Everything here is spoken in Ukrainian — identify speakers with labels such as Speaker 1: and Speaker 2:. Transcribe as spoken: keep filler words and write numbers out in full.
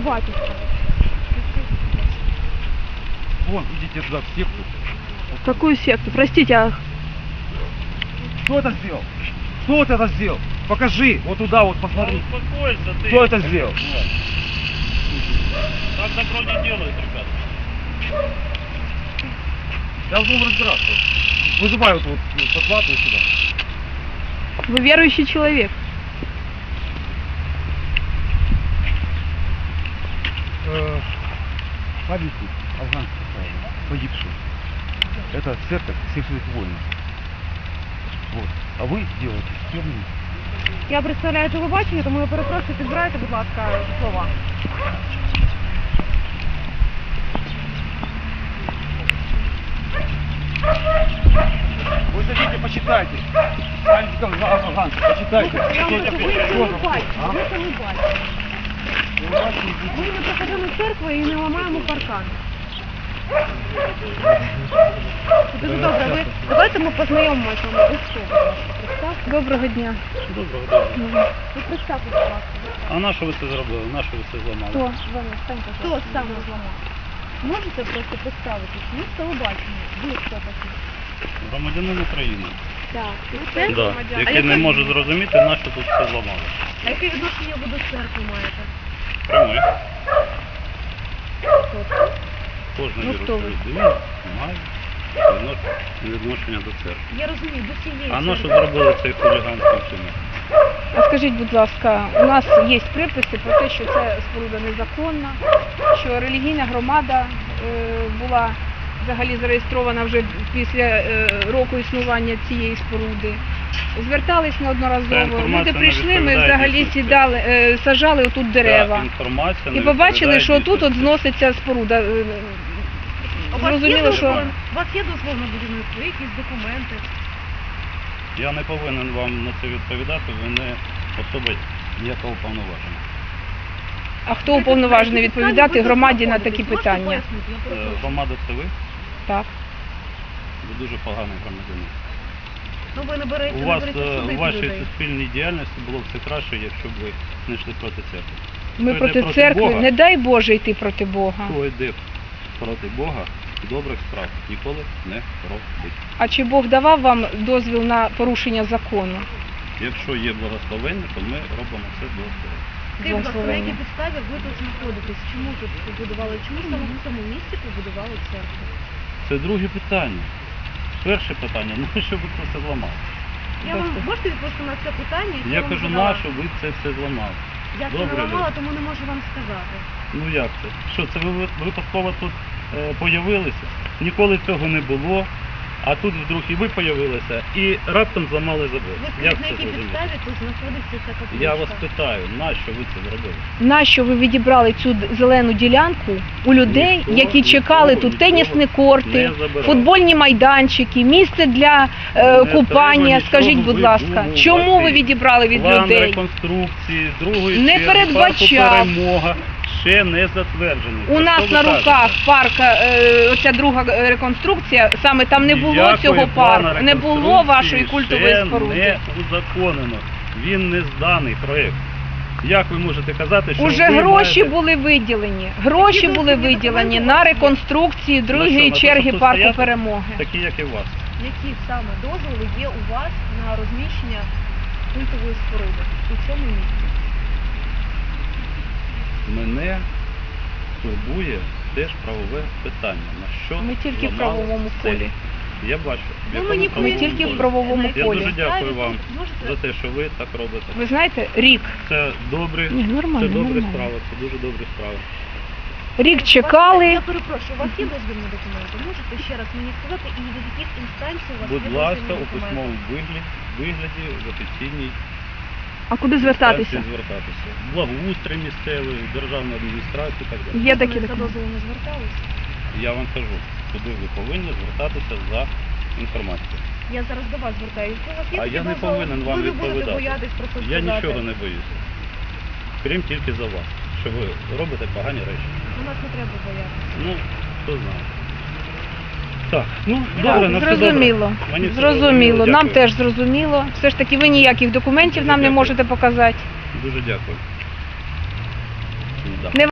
Speaker 1: батюшка?
Speaker 2: Вон, идите туда, в секту.
Speaker 1: Какую секту? Простите, а...
Speaker 2: Кто это сделал? Кто вот это сделал? Покажи, вот туда вот посмотри.
Speaker 3: Ну, успокойся ты.
Speaker 2: Кто это сделал?
Speaker 3: Так добро не делают, ребята.
Speaker 2: Я буду разбираться. Вызывают вот подплату сюда.
Speaker 1: Вы верующий человек?
Speaker 2: Э, Памятник афганцев погибших. Это церковь всех своих воинов. Вот. А ви делаете херню.
Speaker 1: Я представляю телебачення, тому я перепрошую, підбирайте, будь ласка, слова.
Speaker 2: Вы зайдите, почитайте. Памятников афганцев, почитайте.
Speaker 1: Я вам
Speaker 2: Что
Speaker 1: кажу,
Speaker 2: это?
Speaker 1: ви це не
Speaker 2: Что
Speaker 1: бачите,
Speaker 2: А?
Speaker 1: ви це не бачите. Ми не приходимо в церкву і не ламаємо паркан. Дуже добре, ви... Давайте ми познайомимося з вами. Ви хто, будь ласка, представте. Доброго дня.
Speaker 3: Доброго дня.
Speaker 1: Ви представте, будь ласка.
Speaker 3: А на що ви це зробили? На що ви це зламали?
Speaker 1: Хто? Ваня, стань, хто саме зламав? Можете просто представитись? Ми з телебачення. Ви хто такі?
Speaker 3: Громадянин України.
Speaker 1: Так. Ви це
Speaker 3: Да.
Speaker 1: громадян?
Speaker 3: Який не може зрозуміти, на що тут все зламали.
Speaker 1: А яке відношення ви до церкви маєте?
Speaker 3: Пряме.
Speaker 1: Тобто?
Speaker 3: Кожна
Speaker 1: Ну, хто ви?
Speaker 3: людина має віднош- відношення до церкви.
Speaker 1: Я розумію, до цієї
Speaker 3: А на що
Speaker 1: церкви.
Speaker 3: зробили цей хуліганський вчинок?
Speaker 4: А скажіть, будь ласка, у нас є приписи про те, що це споруда незаконна, що релігійна громада е, була взагалі зареєстрована вже після е, року існування цієї споруди. Звертались
Speaker 3: Ця
Speaker 4: неодноразово.
Speaker 3: інформація
Speaker 4: Люди
Speaker 3: не
Speaker 4: прийшли, ми
Speaker 3: відповідає
Speaker 4: взагалі
Speaker 3: дійсності.
Speaker 4: сідали, е, сажали отут дерева.
Speaker 3: Ця інформація не
Speaker 4: І побачили,
Speaker 3: відповідає
Speaker 4: що тут от
Speaker 3: дійсності.
Speaker 4: зноситься споруда. Е,
Speaker 1: У вас є
Speaker 4: Зрозуміло, що
Speaker 1: дозвіл? У вас є дозвол на будівництво, якісь документи?
Speaker 3: Я не повинен вам на це відповідати, ви не особа ніякого повноваження.
Speaker 4: а хто уповноважений відповідати громаді на такі питання?
Speaker 3: Е, Громада це ви?
Speaker 4: Так.
Speaker 3: Ви дуже поганий громадянин.
Speaker 1: Ну ви не берете,
Speaker 3: У
Speaker 1: не
Speaker 3: вас
Speaker 1: берете
Speaker 3: е,
Speaker 1: судити
Speaker 3: у вашій
Speaker 1: людей.
Speaker 3: суспільній діяльності було б все краще, якщо б ви не йшли проти церкви.
Speaker 4: Ми
Speaker 3: Хто
Speaker 4: проти
Speaker 3: йде
Speaker 4: церкви,
Speaker 3: Бога,
Speaker 4: не дай Боже йти проти Бога.
Speaker 3: хто йде проти Бога, добрих справ ніколи не робить.
Speaker 4: А чи Бог давав вам дозвіл на порушення закону?
Speaker 3: Якщо є благословення, то ми робимо це благословення.
Speaker 1: Скажіть, будь ласка, на якій
Speaker 4: Благословення.
Speaker 1: підставі ви тут знаходитесь? Чому тут побудували? Чому саме в цьому місці побудували церкву?
Speaker 3: Це друге питання. Перше питання, ну що ви це все зламали?
Speaker 1: Я вам можете відповісти на це питання? яке
Speaker 3: Я
Speaker 1: вам
Speaker 3: кажу,
Speaker 1: задала?
Speaker 3: на що ви це все зламали?
Speaker 1: Я це
Speaker 3: Добре,
Speaker 1: не ламала,
Speaker 3: люди.
Speaker 1: тому не можу вам сказати.
Speaker 3: Ну як це? Що, це ви ви- випадково тут е, появилися? Ніколи цього не було, а тут вдруг і ви появилися, і раптом зламали забор.
Speaker 1: Ви
Speaker 3: Як
Speaker 1: скажіть, на
Speaker 3: це
Speaker 1: якій
Speaker 3: зрозуміти?
Speaker 1: підставі тут знаходиться ця капличка?
Speaker 3: Я вас питаю, на що ви це зробили?
Speaker 4: Нащо ви відібрали цю д- зелену ділянку у людей,
Speaker 3: Ніхто
Speaker 4: які
Speaker 3: нікого
Speaker 4: чекали тут
Speaker 3: нічого
Speaker 4: тенісні
Speaker 3: не
Speaker 4: корти,
Speaker 3: забирав.
Speaker 4: футбольні майданчики, місце для е,
Speaker 3: Не
Speaker 4: купання?
Speaker 3: треба
Speaker 4: Скажіть,
Speaker 3: нічого
Speaker 4: будь ласка,
Speaker 3: видумувати.
Speaker 4: чому ви відібрали від
Speaker 3: План
Speaker 4: людей?
Speaker 3: реконструкції, другої
Speaker 4: Не
Speaker 3: черги,
Speaker 4: передбачав.
Speaker 3: парку «Перемога» ще не затверджений.
Speaker 4: У
Speaker 3: Про
Speaker 4: нас
Speaker 3: що
Speaker 4: на
Speaker 3: ви
Speaker 4: руках
Speaker 3: кажете?
Speaker 4: парка, е, оця друга е, реконструкція, саме там не було
Speaker 3: Ніякої
Speaker 4: цього
Speaker 3: плану
Speaker 4: парку, не було
Speaker 3: реконструкції
Speaker 4: вашої культової
Speaker 3: ще
Speaker 4: споруди.
Speaker 3: не узаконено. Він не зданий проєкт. Як ви можете казати, що
Speaker 4: Уже
Speaker 3: ви
Speaker 4: гроші
Speaker 3: маєте...
Speaker 4: були виділені. Гроші
Speaker 1: Які
Speaker 4: були
Speaker 1: дозвільні
Speaker 4: виділені
Speaker 1: документи
Speaker 4: на
Speaker 1: у вас є?
Speaker 4: реконструкцію
Speaker 3: На
Speaker 4: другої
Speaker 3: що, на те,
Speaker 4: черги
Speaker 3: щоб тут
Speaker 4: парку
Speaker 3: стояти?
Speaker 4: Перемоги.
Speaker 3: Такі, як і у вас.
Speaker 1: Які саме дозволи є у вас на розміщення культової споруди у цьому місці?
Speaker 3: Мене турбує теж правове питання. На що
Speaker 4: Ми тільки в
Speaker 3: зламали
Speaker 4: правовому
Speaker 3: це?
Speaker 4: полі.
Speaker 3: Я бачу. в
Speaker 1: Ви
Speaker 3: якому
Speaker 1: мені
Speaker 3: правовому
Speaker 4: Ми тільки в
Speaker 3: полі.
Speaker 4: правовому
Speaker 1: На якій
Speaker 3: Я
Speaker 4: полі.
Speaker 3: дуже дякую
Speaker 1: підставі
Speaker 3: вам
Speaker 1: можете-
Speaker 3: за те, що ви так робите.
Speaker 4: Ви знаєте, рік.
Speaker 3: Це добре,
Speaker 4: Ні, нормально,
Speaker 3: це добрі
Speaker 4: нормально.
Speaker 3: справи, це дуже добрі справи.
Speaker 4: Рік
Speaker 1: У вас-
Speaker 4: чекали.
Speaker 1: Я перепрошую, у вас є дозвільні документи? Можете ще раз мені сказати, і від яких інстанцій у вас
Speaker 3: Будь
Speaker 1: є
Speaker 3: ласка,
Speaker 1: дозвільні
Speaker 3: у
Speaker 1: документи?
Speaker 3: письмовому вигляді, вигляді в офіційній
Speaker 4: А куди звертатися?
Speaker 3: інстанції звертатися. Благоустрій місцевий, державна адміністрація і так далі.
Speaker 4: Є
Speaker 1: Ви
Speaker 4: такі
Speaker 1: за
Speaker 4: документи.
Speaker 1: дозволу не зверталися?
Speaker 3: Я вам кажу, куди ви повинні звертатися за інформацією.
Speaker 1: Я зараз до вас звертаюся. У вас є
Speaker 3: А
Speaker 1: такий
Speaker 3: я не
Speaker 1: дозвіл?
Speaker 3: повинен вам
Speaker 1: Ви не будете
Speaker 3: відповідати.
Speaker 1: боятись про це
Speaker 3: Я
Speaker 1: сказати.
Speaker 3: нічого не боюся. Крім тільки за вас, що ви робите погані речі.
Speaker 1: У нас не треба боятися.
Speaker 3: Ну, хто знає. Так, ну,
Speaker 4: Так,
Speaker 3: добре, на все добре.
Speaker 4: зрозуміло.
Speaker 3: Мені все
Speaker 4: Зрозуміло. Нам
Speaker 3: дякую.
Speaker 4: теж зрозуміло. Все ж таки ви ніяких документів
Speaker 3: Дуже
Speaker 4: нам не
Speaker 3: дякую.
Speaker 4: можете показати.
Speaker 3: Дуже дякую. Да.
Speaker 4: Не